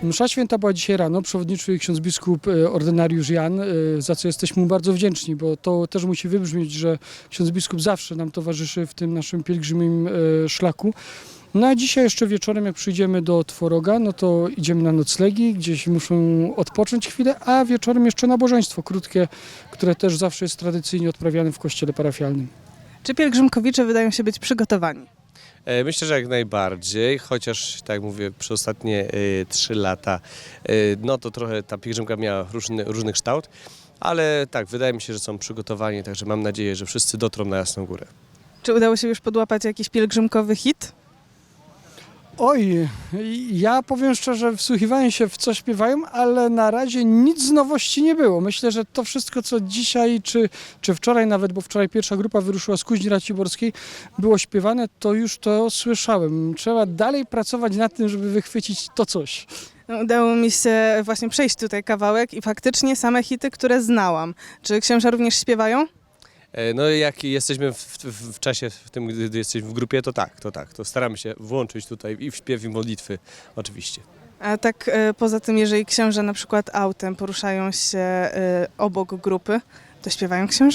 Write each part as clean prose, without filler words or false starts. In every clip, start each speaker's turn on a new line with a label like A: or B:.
A: Msza święta była dzisiaj rano, przewodniczył ksiądz biskup ordynariusz Jan, za co jesteśmy mu bardzo wdzięczni, bo to też musi wybrzmieć, że ksiądz biskup zawsze nam towarzyszy w tym naszym pielgrzymim szlaku. No a dzisiaj jeszcze wieczorem, jak przyjdziemy do Tworoga, no to idziemy na noclegi, gdzieś muszą odpocząć chwilę, a wieczorem jeszcze nabożeństwo krótkie, które też zawsze jest tradycyjnie odprawiane w kościele parafialnym.
B: Czy pielgrzymkowicze wydają się być przygotowani?
C: Myślę, że jak najbardziej, chociaż tak jak mówię, przez ostatnie 3 lata, no to trochę ta pielgrzymka miała różny kształt, ale tak, wydaje mi się, że są przygotowani, także mam nadzieję, że wszyscy dotrą na Jasną Górę.
B: Czy udało się już podłapać jakiś pielgrzymkowy hit?
A: Oj, ja powiem szczerze, wsłuchiwałem się w co śpiewają, ale na razie nic z nowości nie było. Myślę, że to wszystko, co dzisiaj, czy wczoraj nawet, bo wczoraj pierwsza grupa wyruszyła z Kuźni Raciborskiej, było śpiewane, to już to słyszałem. Trzeba dalej pracować nad tym, żeby wychwycić to coś.
B: No, udało mi się właśnie przejść tutaj kawałek i faktycznie same hity, które znałam. Czy księża również śpiewają?
C: No jak jesteśmy w czasie, w tym, gdy jesteśmy w grupie, to tak, to staramy się włączyć tutaj i w śpiew, i modlitwy, oczywiście.
B: A tak poza tym, jeżeli księża na przykład autem poruszają się obok grupy, to śpiewają księża?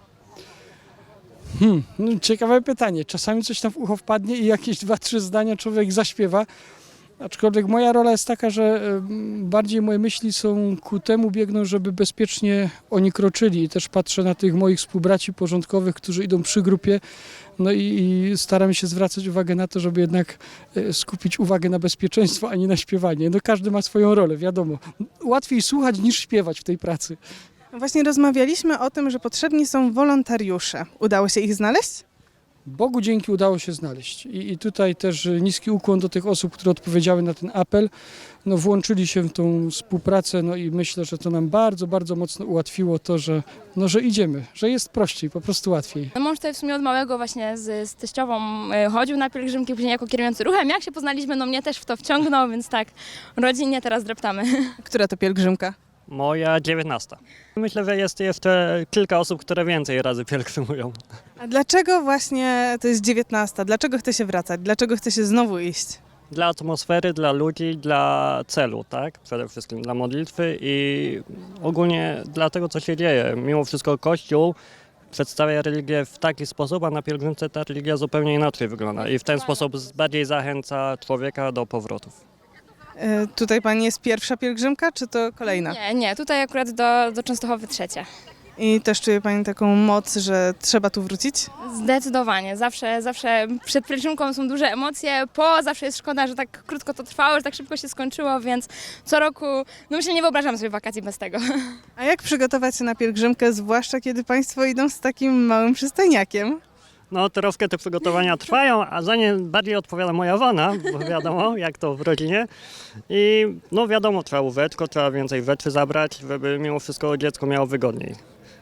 A: No, ciekawe pytanie. Czasami coś tam w ucho wpadnie i jakieś 2-3 zdania człowiek zaśpiewa. Aczkolwiek moja rola jest taka, że bardziej moje myśli są ku temu biegną, żeby bezpiecznie oni kroczyli. I też patrzę na tych moich współbraci porządkowych, którzy idą przy grupie. No i staram się zwracać uwagę na to, żeby jednak skupić uwagę na bezpieczeństwo, a nie na śpiewanie. No każdy ma swoją rolę, wiadomo. Łatwiej słuchać niż śpiewać w tej pracy.
B: Właśnie rozmawialiśmy o tym, że potrzebni są wolontariusze. Udało się ich znaleźć?
A: Bogu dzięki udało się znaleźć. I tutaj też niski ukłon do tych osób, które odpowiedziały na ten apel. No, włączyli się w tą współpracę, no i myślę, że to nam bardzo, bardzo mocno ułatwiło to, że idziemy, że jest prościej, po prostu łatwiej.
D: No, mąż tutaj w sumie od małego właśnie z teściową chodził na pielgrzymki, później jako kierujący ruchem. Jak się poznaliśmy, no mnie też w to wciągnął, więc tak, rodzinnie teraz dreptamy.
B: Która to pielgrzymka?
E: Moja 19. Myślę, że jest jeszcze kilka osób, które więcej razy pielgrzymują.
B: A dlaczego właśnie to jest 19? Dlaczego chce się wracać? Dlaczego chce się znowu iść?
E: Dla atmosfery, dla ludzi, dla celu, tak? Przede wszystkim dla modlitwy i ogólnie dla tego, co się dzieje. Mimo wszystko Kościół przedstawia religię w taki sposób, a na pielgrzymce ta religia zupełnie inaczej wygląda i w ten sposób bardziej zachęca człowieka do powrotów.
B: Tutaj pani jest pierwsza pielgrzymka, czy to kolejna?
D: Nie, tutaj akurat do Częstochowy 3.
B: I też czuje pani taką moc, że trzeba tu wrócić?
D: Zdecydowanie, zawsze przed pielgrzymką są duże emocje, zawsze jest szkoda, że tak krótko to trwało, że tak szybko się skończyło, więc co roku, no myślę, nie wyobrażam sobie wakacji bez tego.
B: A jak przygotować się na pielgrzymkę, zwłaszcza kiedy państwo idą z takim małym przystojniakiem?
E: No troszkę te przygotowania trwają, a za nie bardziej odpowiada moja żona, bo wiadomo jak to w rodzinie. I no wiadomo, trzeba łóżeczko, trzeba więcej rzeczy zabrać, żeby mimo wszystko dziecko miało wygodniej.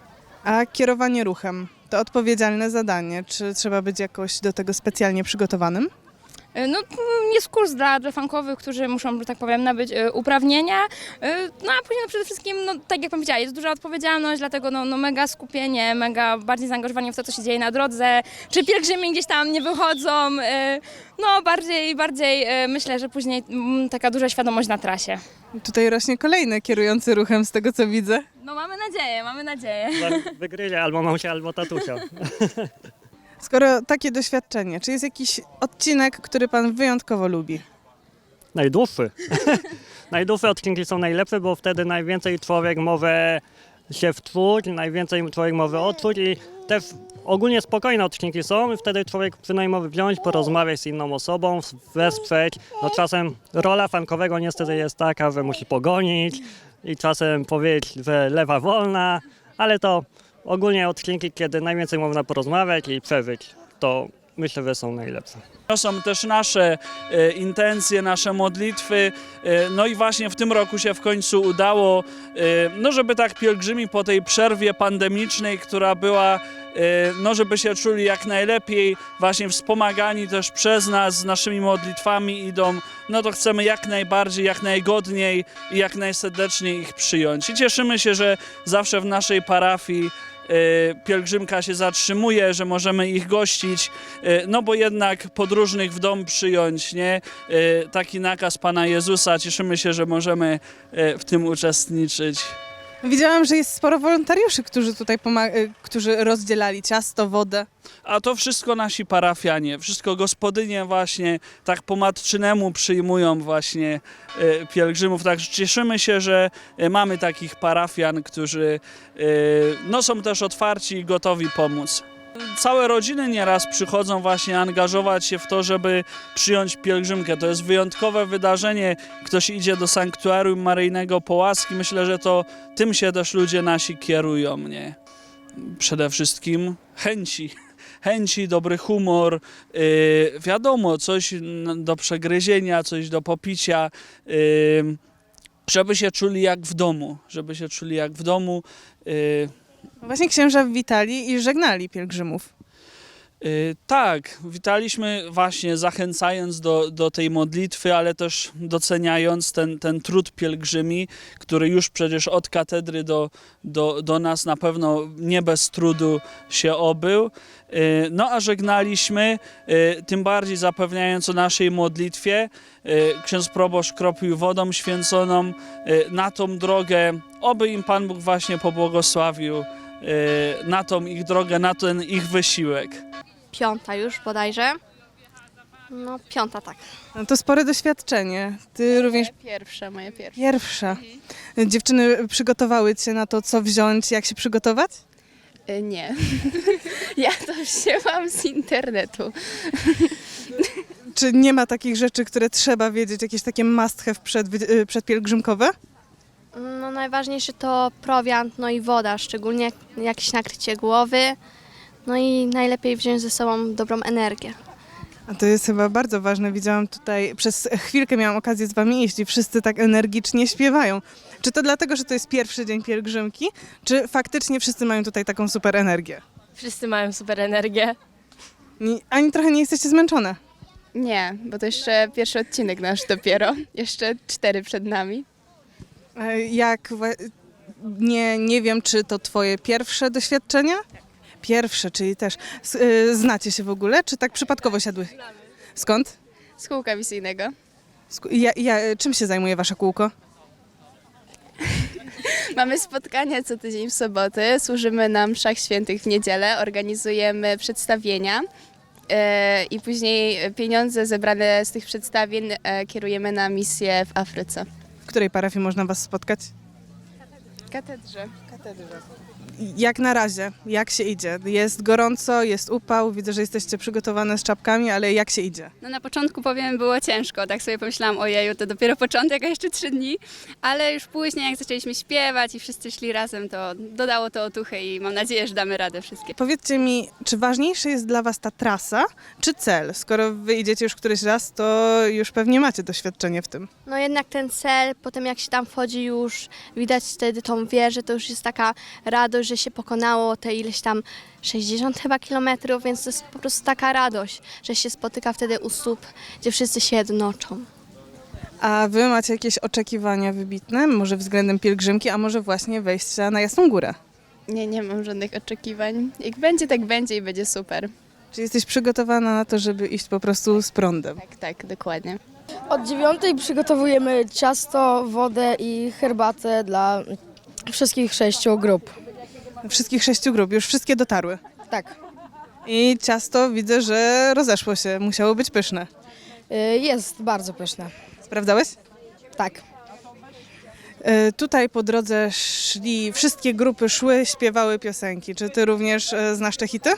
B: A kierowanie ruchem to odpowiedzialne zadanie. Czy trzeba być jakoś do tego specjalnie przygotowanym?
D: No, jest kurs dla funkowych, którzy muszą, że tak powiem, nabyć uprawnienia, no a później no, przede wszystkim, no, tak jak powiedziała, jest duża odpowiedzialność, dlatego no, mega skupienie, mega bardziej zaangażowanie w to, co się dzieje na drodze, czy pielgrzymi gdzieś tam nie wychodzą, no bardziej myślę, że później taka duża świadomość na trasie.
B: Tutaj rośnie kolejny kierujący ruchem z tego, co widzę.
D: No mamy nadzieję.
E: Wygryzie albo mamusia, albo tatusia.
B: Skoro takie doświadczenie, czy jest jakiś odcinek, który pan wyjątkowo lubi?
E: Najdłuższy. Najdłuższe odcinki są najlepsze, bo wtedy najwięcej człowiek może się wczuć, najwięcej człowiek może odczuć i też ogólnie spokojne odcinki są i wtedy człowiek przynajmniej może wziąć, porozmawiać z inną osobą, wesprzeć. No czasem rola funkowego niestety jest taka, że musi pogonić i czasem powiedzieć, że lewa wolna, ale to ogólnie odcinki, kiedy najwięcej można porozmawiać i przeżyć, to myślę, że są najlepsze.
F: To są też nasze intencje, nasze modlitwy, no i właśnie w tym roku się w końcu udało, no żeby tak pielgrzymi po tej przerwie pandemicznej, która była, no żeby się czuli jak najlepiej, właśnie wspomagani też przez nas, z naszymi modlitwami idą, no to chcemy jak najbardziej, jak najgodniej i jak najserdeczniej ich przyjąć. I cieszymy się, że zawsze w naszej parafii pielgrzymka się zatrzymuje, że możemy ich gościć, no bo jednak podróżnych w dom przyjąć, nie? Taki nakaz Pana Jezusa. Cieszymy się, że możemy w tym uczestniczyć.
B: Widziałam, że jest sporo wolontariuszy, którzy tutaj którzy rozdzielali ciasto, wodę.
F: A to wszystko nasi parafianie, wszystko gospodynie właśnie tak po matczynemu przyjmują właśnie pielgrzymów. Także cieszymy się, że mamy takich parafian, którzy no, są też otwarci i gotowi pomóc. Całe rodziny nieraz przychodzą właśnie angażować się w to, żeby przyjąć pielgrzymkę. To jest wyjątkowe wydarzenie. Ktoś idzie do sanktuarium Maryjnego po łaski. Myślę, że to tym się też ludzie nasi kierują, nie? Przede wszystkim chęci, dobry humor, wiadomo, coś do przegryzienia, coś do popicia, żeby się czuli jak w domu,
B: Właśnie księża witali i żegnali pielgrzymów.
F: Tak, witaliśmy właśnie zachęcając do tej modlitwy, ale też doceniając ten trud pielgrzymi, który już przecież od katedry do nas na pewno nie bez trudu się obył. No a żegnaliśmy, tym bardziej zapewniając o naszej modlitwie. Ksiądz proboszcz kropił wodą święconą na tą drogę, oby im Pan Bóg właśnie pobłogosławił na tą ich drogę, na ten ich wysiłek.
G: 5. już bodajże. No 5, tak.
B: No to spore doświadczenie. Ty również
G: Moje pierwsze.
B: pierwsza. Dziewczyny przygotowały cię na to, co wziąć, jak się przygotować?
G: Nie. Ja to wzięłam z internetu.
B: Czy nie ma takich rzeczy, które trzeba wiedzieć, jakieś takie must have przedpielgrzymkowe?
G: No najważniejsze to prowiant, no i woda, szczególnie jakieś nakrycie głowy. No i najlepiej wziąć ze sobą dobrą energię.
B: A to jest chyba bardzo ważne. Widziałam tutaj, przez chwilkę miałam okazję z wami iść i wszyscy tak energicznie śpiewają. Czy to dlatego, że to jest pierwszy dzień pielgrzymki, czy faktycznie wszyscy mają tutaj taką super energię?
H: Wszyscy mają super energię.
B: Ani trochę nie jesteście zmęczone?
I: Nie, bo to jeszcze pierwszy odcinek nasz dopiero. Jeszcze 4 przed nami.
B: Nie wiem, czy to twoje pierwsze doświadczenia? Pierwsze, czyli też znacie się w ogóle, czy tak przypadkowo siadły? Skąd?
I: Z kółka misyjnego.
B: Czym się zajmuje wasze kółko?
I: Mamy spotkania co tydzień w sobotę, służymy na mszach świętych w niedzielę, organizujemy przedstawienia i później pieniądze zebrane z tych przedstawień kierujemy na misję w Afryce.
B: W której parafii można was spotkać?
I: W katedrze.
B: Jak na razie, jak się idzie? Jest gorąco, jest upał, widzę, że jesteście przygotowane z czapkami, ale jak się idzie?
J: No na początku powiem, było ciężko, tak sobie pomyślałam, ojeju, to dopiero początek, a jeszcze 3 dni, ale już później jak zaczęliśmy śpiewać i wszyscy szli razem, to dodało to otuchy i mam nadzieję, że damy radę wszystkie.
B: Powiedzcie mi, czy ważniejsza jest dla was ta trasa, czy cel? Skoro wy idziecie już któryś raz, to już pewnie macie doświadczenie w tym.
G: No jednak ten cel, potem jak się tam wchodzi już, widać wtedy tą wieżę, to już jest taka radość, że się pokonało te ileś tam 60 chyba kilometrów, więc to jest po prostu taka radość, że się spotyka wtedy u stóp, gdzie wszyscy się jednoczą.
B: A wy macie jakieś oczekiwania wybitne, może względem pielgrzymki, a może właśnie wejścia na Jasną Górę?
I: Nie mam żadnych oczekiwań. Jak będzie, tak będzie i będzie super.
B: Czy jesteś przygotowana na to, żeby iść po prostu z prądem?
I: Tak, dokładnie.
H: Od 9 przygotowujemy ciasto, wodę i herbatę dla wszystkich 6 grup.
B: Wszystkich 6 grup, już wszystkie dotarły.
H: Tak.
B: I ciasto widzę, że rozeszło się, musiało być pyszne.
H: Jest bardzo pyszne.
B: Sprawdzałeś?
H: Tak.
B: Tutaj po drodze wszystkie grupy szły, śpiewały piosenki. Czy ty również znasz te hity?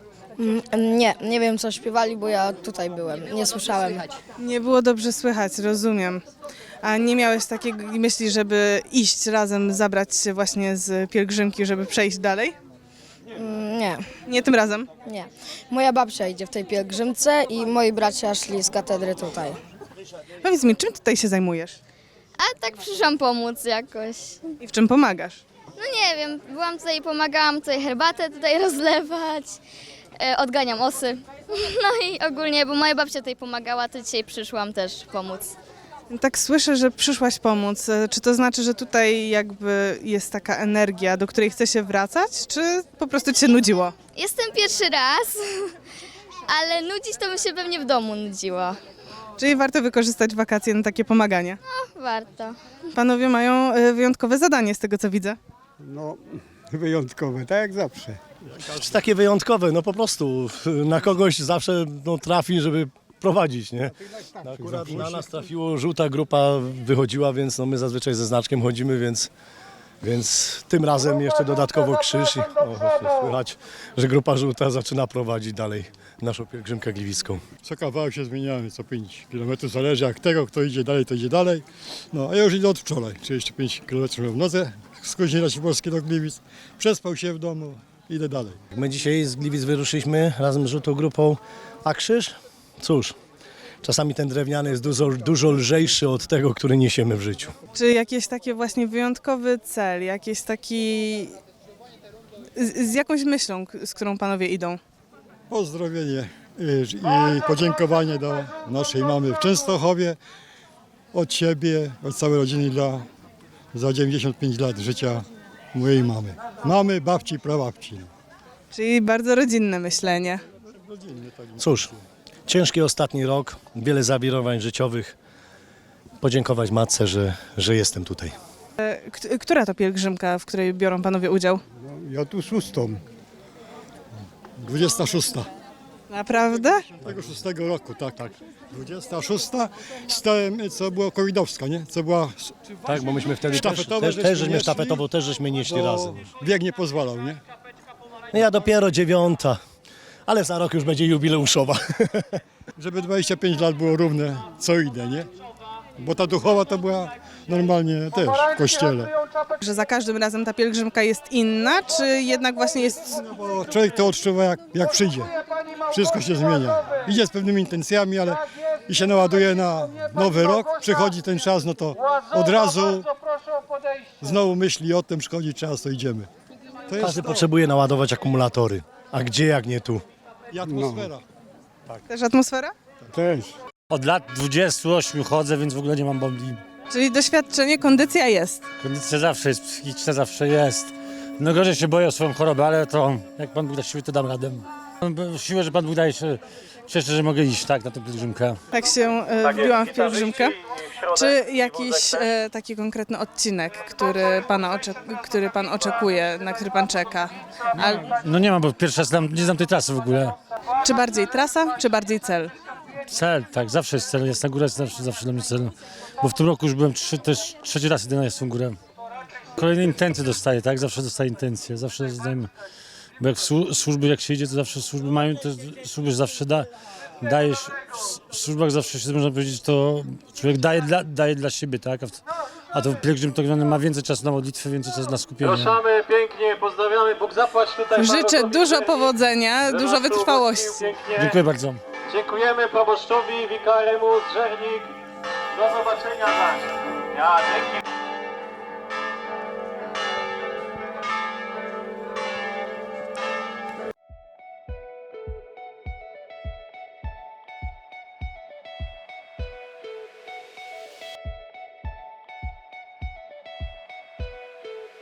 H: Nie wiem co śpiewali, bo ja tutaj byłem, nie słyszałem.
B: Nie było dobrze słychać, rozumiem. A nie miałeś takiej myśli, żeby iść razem, zabrać się właśnie z pielgrzymki, żeby przejść dalej?
H: Nie,
B: Nie tym razem?
H: nie. Moja babcia idzie w tej pielgrzymce i moi bracia szli z katedry tutaj.
B: Powiedz mi, czym tutaj się zajmujesz?
K: A tak przyszłam pomóc jakoś.
B: I w czym pomagasz?
K: No nie wiem, byłam tutaj, pomagałam tutaj herbatę tutaj rozlewać, odganiam osy. No i ogólnie, bo moja babcia tutaj pomagała, to dzisiaj przyszłam też pomóc.
B: Tak słyszę, że przyszłaś pomóc. Czy to znaczy, że tutaj jakby jest taka energia, do której chce się wracać, czy po prostu ci się nudziło?
K: Jestem pierwszy raz, ale nudzić to bym się pewnie w domu nudziła.
B: Czyli warto wykorzystać wakacje na takie pomaganie.
K: Warto.
B: Panowie mają wyjątkowe zadanie z tego, co widzę.
L: No, wyjątkowe, tak jak zawsze.
M: Takie wyjątkowe, no po prostu na kogoś zawsze trafi, żeby prowadzić, nie? No akurat na nas trafiło, żółta grupa wychodziła, więc my zazwyczaj ze znaczkiem chodzimy, więc tym razem jeszcze dodatkowo krzyż i słychać, że grupa żółta zaczyna prowadzić dalej naszą pielgrzymkę gliwicką.
L: Co kawałek się zmieniamy, co 5 km, zależy jak tego, kto idzie dalej, to idzie dalej. No, a ja już idę od wczoraj, 35 km w nodze, z Koźmierza Siewierskiego do Gliwic, przespał się w domu, idę dalej.
M: My dzisiaj z Gliwic wyruszyliśmy razem z żółtą grupą, a krzyż? Cóż, czasami ten drewniany jest dużo lżejszy od tego, który niesiemy w życiu.
B: Czy jakiś taki właśnie wyjątkowy cel, jakiś taki... Z jakąś myślą, z którą panowie idą?
L: Pozdrowienie i podziękowanie do naszej mamy w Częstochowie, od siebie, od całej rodziny za 95 lat życia mojej mamy. Mamy, babci, prababci.
B: Czyli bardzo rodzinne myślenie.
M: Cóż, ciężki ostatni rok, wiele zawirowań życiowych. Podziękować matce, że jestem tutaj.
B: Która to pielgrzymka, w której biorą panowie udział?
L: Ja tu 6. 26.
B: Naprawdę?
L: Tego 6 roku, tak. 26 stałem, co była covidowska, nie? Co była
M: Tak, bo myśmy wtedy
L: sztafetowe,
M: żeśmy sztafetową też żeśmy nieśli razem.
L: Bieg nie pozwalał, nie?
M: No ja dopiero 9, ale za rok już będzie jubileuszowa.
L: Żeby 25 lat było równe, co idę, nie? Bo ta duchowa to była normalnie też w kościele.
B: Że za każdym razem ta pielgrzymka jest inna, czy jednak właśnie jest...
L: No bo człowiek to odczuwa jak przyjdzie. Wszystko się zmienia. Idzie z pewnymi intencjami, ale i się naładuje na nowy rok, przychodzi ten czas, no to od razu znowu myśli o tym, przychodzi czas, to idziemy. To jest
M: Każdy potrzebuje naładować akumulatory. A gdzie jak nie tu?
L: i atmosfera.
B: Też atmosfera?
L: Też.
E: Od lat 28 chodzę, więc w ogóle nie mam bombli.
B: Czyli doświadczenie, kondycja jest.
E: Kondycja zawsze jest, psychiczna zawsze jest. No gorzej się boję o swoją chorobę, ale to jak Pan Bóg da siły, to dam radę. Siłę, że Pan Bóg daje się, cieszę, że mogę iść tak na tę pielgrzymkę.
B: Tak się wbiłam w pielgrzymkę. Czy jakiś taki konkretny odcinek, który pan oczekuje, na który pan czeka?
E: No nie mam, bo pierwszy raz nie znam tej trasy w ogóle.
B: Czy bardziej trasa, czy bardziej cel?
E: Cel, tak, zawsze jest cel. Jasna Góra jest zawsze dla mnie cel. Bo w tym roku już byłem trzeci raz jedyny na Jasną Górę. Kolejne intencje dostaję, tak? Zawsze dostaję intencje. Zawsze dostaję, bo jak służby, jak się idzie, to zawsze służby mają, to służby zawsze dajesz. W służbach zawsze się, można powiedzieć, to człowiek daje dla siebie, tak? A to pielgrzym to ma więcej czasu na modlitwę, więcej czasu na skupienie.
M: Proszamy pięknie, pozdrawiamy, Bóg zapłać tutaj.
B: Życzę dużo powodzenia, dużo wytrwałości.
E: Dziękuję bardzo.
M: Dziękujemy proboszczowi, wikaremu z Żernik. Do zobaczenia. Ja, dzięki.